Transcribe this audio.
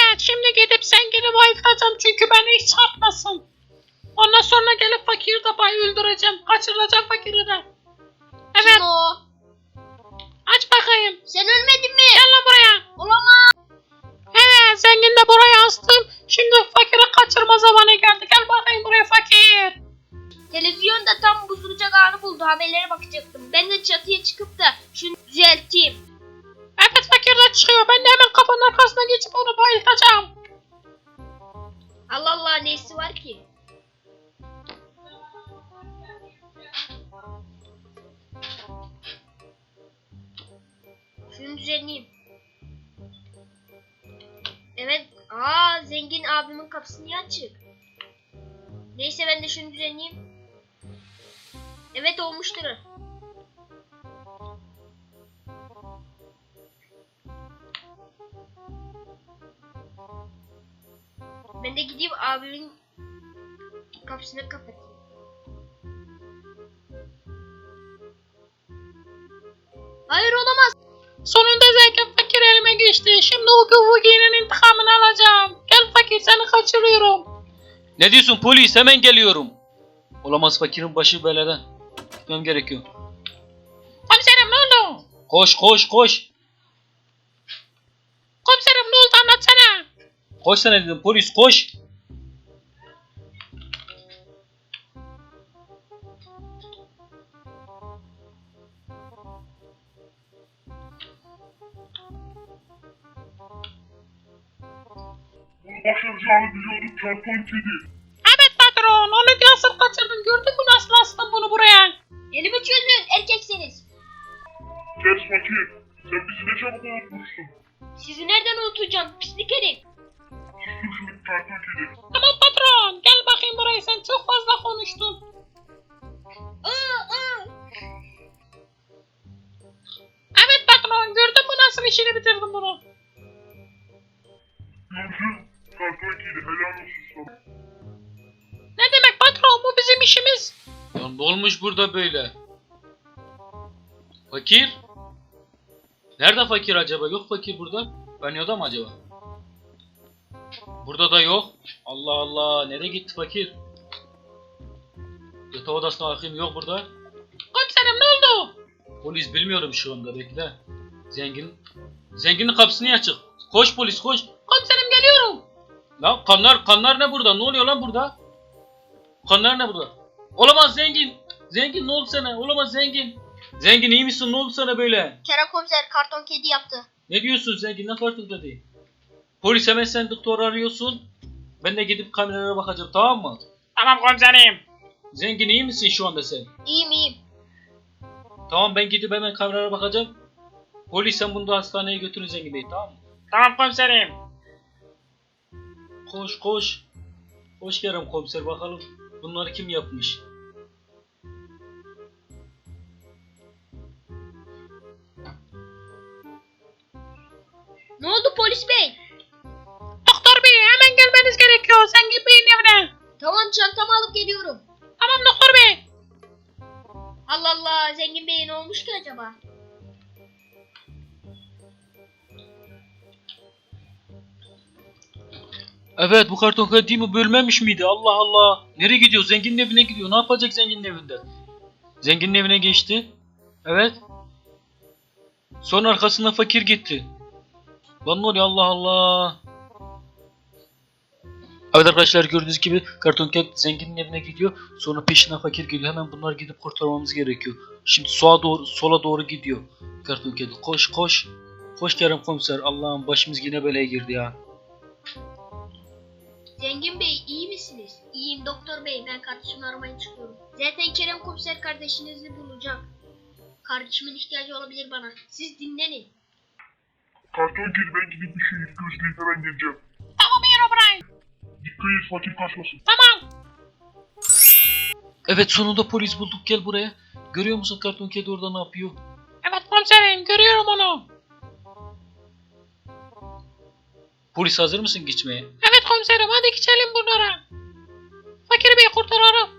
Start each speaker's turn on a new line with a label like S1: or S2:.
S1: Evet, şimdi gidip zengini bayıltacağım çünkü beni hiç çarpmasın. Ondan sonra gelip fakiri de öldüreceğim. Kaçırılacağım fakiri de. Evet.
S2: Kim o?
S1: Aç bakayım.
S2: Sen ölmedin mi?
S1: Gel lan buraya.
S2: Olamaz.
S1: Evet, zengin de buraya astım. Şimdi fakiri kaçırma zamanı geldi. Gel bakayım buraya fakir.
S2: Televizyonda tam bozulacak anı buldu. Haberlere bakacaktım. Ben de çatıya çıkıp da şunu düzelteyim.
S1: Evet, fakir de çıkıyor. Ben de hemen kapının arkasına geçip onu bayıltacağım.
S2: Allah Allah, nesi var ki? Şunu düzenleyeyim. Evet. Zengin abimin kapısı niye açık? Neyse, ben de şunu düzenleyeyim. Evet, olmuştur. Ben de gideyim abimin kapısını kapatayım. Hayır, olamaz.
S1: Sonunda zengin fakir elime geçti. Şimdi o Vugi'nin intikamını alacağım. Gel fakir, seni kaçırıyorum.
S3: Ne diyorsun polis? Hemen geliyorum. Olamaz, fakirin başı belada. Gitmem gerekiyor.
S1: Komiserim, ne oldu?
S3: Koş koş koş.
S1: Komiserim, ne oldu, anlatsana.
S3: Koş sana dedim, polis koş.
S4: Başaracağını biliyorduk karton kedi.
S1: Evet patron, onu nasıl kaçırdın, gördün mü nasıl astın bunu buraya?
S2: Elimi çözün, erkeksiniz.
S4: Kes fakir. Sen bizi ne çabuk unutmuşsun.
S2: Sizi nereden unutacağım, pislik herif.
S4: Sustur şunu karton kedi.
S1: Tamam patron, gel bakayım buraya, sen çok fazla konuştun. Evet patron, gördün mü nasıl işini bitirdim bunu?
S4: Gördün. Karton kedi helal olsun sana.
S1: Ne demek patron, bu bizim işimiz.
S3: Ya ne olmuş burada böyle? Fakir? Nerede fakir acaba? Yok fakir burada. Banyoda mı acaba? Burada da yok. Allah Allah. Nereye gitti fakir? Yatak odasına bakayım. Yok burada.
S1: Komiserim, ne oldu?
S3: Polis bilmiyorum şu anda. Bekle. Zenginin kapısı niye açık? Koş polis koş.
S1: Komiserim, geliyorum.
S3: Lan kanlar ne burada? Ne oluyor lan burada? Kanlar ne burada? Olamaz zengin. Zengin ne oldu sana? Olamaz zengin. Zengin iyi misin? Ne oldu sana böyle?
S2: Kerem komiser karton kedi yaptı.
S3: Ne diyorsun zengin? Ne farkında değil. Polis hemen sen doktor arıyorsun. Ben de gidip kameralara bakacağım, tamam mı?
S1: Tamam komiserim.
S3: Zengin iyi misin şu anda sen?
S2: İyiyim.
S3: Tamam, ben gidip hemen kameralara bakacağım. Polis sen bunu da hastaneye götürün Zengin Bey, tamam mı?
S1: Tamam komiserim.
S3: Koş koş. Hoş Kerem komiser, bakalım bunları kim yapmış?
S2: Ne oldu polis bey?
S1: Doktor bey, hemen gelmeniz gerekiyor. Zengin Bey'in evine.
S2: Tamam, çantamı alıp geliyorum.
S1: Tamam doktor bey.
S2: Allah Allah, zengin bey ne olmuş ki acaba?
S3: Evet, bu karton kedi değil mi? Bölmemiş miydi? Allah Allah. Nereye gidiyor? Zenginin evine gidiyor. Ne yapacak zenginin evinde? Zenginin evine geçti. Evet. Sonra arkasından fakir gitti. Lan ne oluyor? Allah Allah. Evet arkadaşlar, gördüğünüz gibi karton kedi zenginin evine gidiyor. Sonra peşinden fakir geliyor. Hemen bunlar gidip kurtarmamız gerekiyor. Şimdi sola doğru gidiyor karton kedi. Koş koş. Koş Kerem komiser. Allah'ım, başımız yine belaya girdi ya.
S2: Zengin bey iyi misiniz? İyiyim doktor bey, ben kardeşimi aramaya çıkıyorum. Zaten Kerem komiser kardeşinizi bulacak. Kardeşimin ihtiyacı olabilir bana. Siz dinlenin.
S4: Karton kedi ben gidip bir şey gözleyip hemen geleceğim.
S1: Tamam Herobrine.
S4: Dikkat et fakir kaçmasın.
S1: Tamam.
S3: Evet, sonunda polis bulduk, gel buraya. Görüyor musun karton kedi orada ne yapıyor?
S1: Evet komiserim, görüyorum onu.
S3: Polis hazır mısın geçmeye?
S1: Evet komiserim, hadi geçelim bunlara. Fakir Bey kurtaralım.